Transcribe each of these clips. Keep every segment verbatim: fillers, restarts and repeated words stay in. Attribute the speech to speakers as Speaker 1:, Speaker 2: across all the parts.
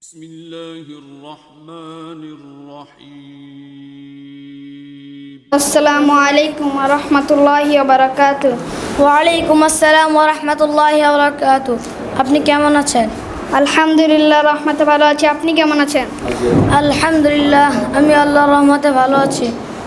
Speaker 1: بسم الله الرحمن الرحيم
Speaker 2: আসসালামু আলাইকুম ওয়া রাহমাতুল্লাহি ওয়া বারাকাতুহু।
Speaker 3: ওয়ালাইকুম আসসালাম ওয়া রাহমাতুল্লাহি ওয়া বারাকাতুহু। আপনি কেমন আছেন?
Speaker 2: আলহামদুলিল্লাহ, রহমতে ভালো আছি। আপনি কেমন আছেন?
Speaker 3: আলহামদুলিল্লাহ, আমি আল্লাহর রহমতে ভালো আছি।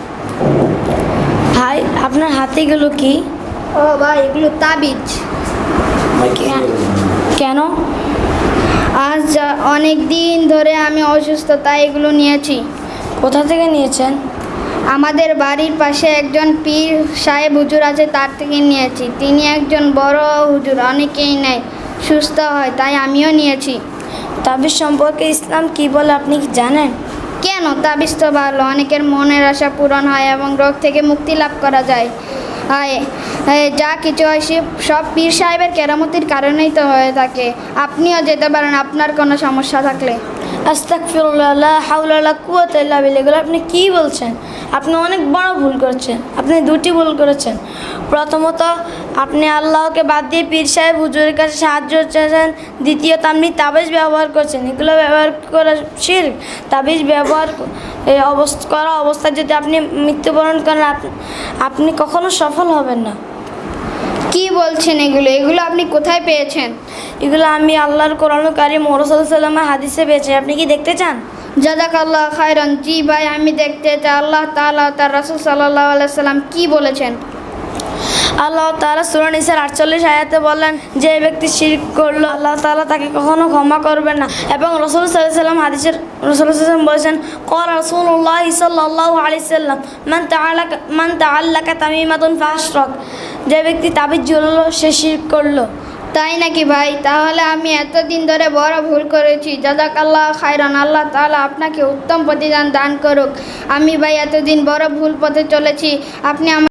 Speaker 3: ভাই, আপনার হাতে এগুলো কি?
Speaker 2: ও ভাই, এগুলো তাবিজ।
Speaker 3: কে- কেন?
Speaker 2: আজ অনেক দিন ধরে আমি অসুস্থ, তাই এগুলো নিয়েছি।
Speaker 3: কোথা থেকে নিয়েছেন?
Speaker 2: আমাদের বাড়ির পাশে একজন পীর সাহেব হুজুর আছে, তার থেকে নিয়েছি। তিনি একজন বড় হুজুর, অনেকেই নেয়, সুস্থ হয়, তাই আমিও নিয়েছি।
Speaker 3: তাবিজ সম্পর্কে ইসলাম কি বলে আপনি কি জানেন?
Speaker 2: কেন? তাবিজ তো ভালো, অনেকের মনের আশা পূরণ হয় এবং রোগ থেকে মুক্তি লাভ করা যায়। হয় এ, যা কিছু হয় সে সব পীর সাহেবের কেরামতির কারণেই তো হয়ে থাকে। আপনিও যেতে পারেন আপনার কোনো সমস্যা থাকলে।
Speaker 3: আস্তাগফিরুল্লাহ, লা হাওলা ওয়ালা কুওয়াতা ইল্লা বিল্লাহ। এগুলো আপনি কি বলছেন? আপনি অনেক বড় ভুল করেছেন। আপনি দুটি ভুল করেছেন। প্রথমত, আপনি আল্লাহকে বাদ দিয়ে পীর সাহেব হুজুরের কাছে সাহায্য চেয়েছেন। দ্বিতীয়ত, আপনি তাবিজ ব্যবহার করছেন। এগুলো ব্যবহার করা শিরক। তাবিজ ব্যবহার ক- এই অবস্থা করা অবস্থায় যদি আপনি মৃত্যুবরণ করেন, আপ- আপনি কখনো সফল হবেন না।
Speaker 2: কি বলছেন এগুলো? এগুলো আপনি কোথায় পেয়েছেন?
Speaker 3: এগুলো আমি আল্লাহর কোরআন কারীম ও রাসূলুল্লাহ সাল্লাল্লাহু আলাইহি ওয়াসাল্লামের হাদিসে পেয়েছি। আপনি কি দেখতে চান?
Speaker 2: জাযাকাল্লাহ খায়রান। জি ভাই, আমি দেখতে চাই আল্লাহ তাআলা ও তার রাসূল সাল্লাল্লাহু আলাইহি সাল্লাম কি বলেছেন।
Speaker 3: আল্লাহ তাআলা সূরা নিসার আটচল্লিশ আয়াতে বলেন, যে ব্যক্তি শিরক করলো আল্লাহ তাআলা তাকে কখনো ক্ষমা করবেন না। এবং রাসূল সাল্লাল্লাহু আলাইহি ওয়াসাল্লাম হাদিসের রাসূল সাল্লাল্লাহু আলাইহি ওয়াসাল্লাম বলেছেন, ক্বালা রাসূলুল্লাহ সাল্লাল্লাহু আলাইহি ওয়াসাল্লাম, মান তাআল্লাকা মান তাআল্লাকা তামিমাতুন ফাশরাক। যে ব্যক্তি তাবিজ ঝুলালো সে শিরক করলো।
Speaker 2: তাই নাকি ভাই? তাহলে আমি এতদিন ধরে বড় ভুল করেছি। জাযাকাল্লাহ খায়রান। আল্লাহ তাআলা আপনাকে উত্তম প্রতিদান দান করুক। আমি ভাই এতদিন বড় ভুল পথে চলেছি, আপনি আমার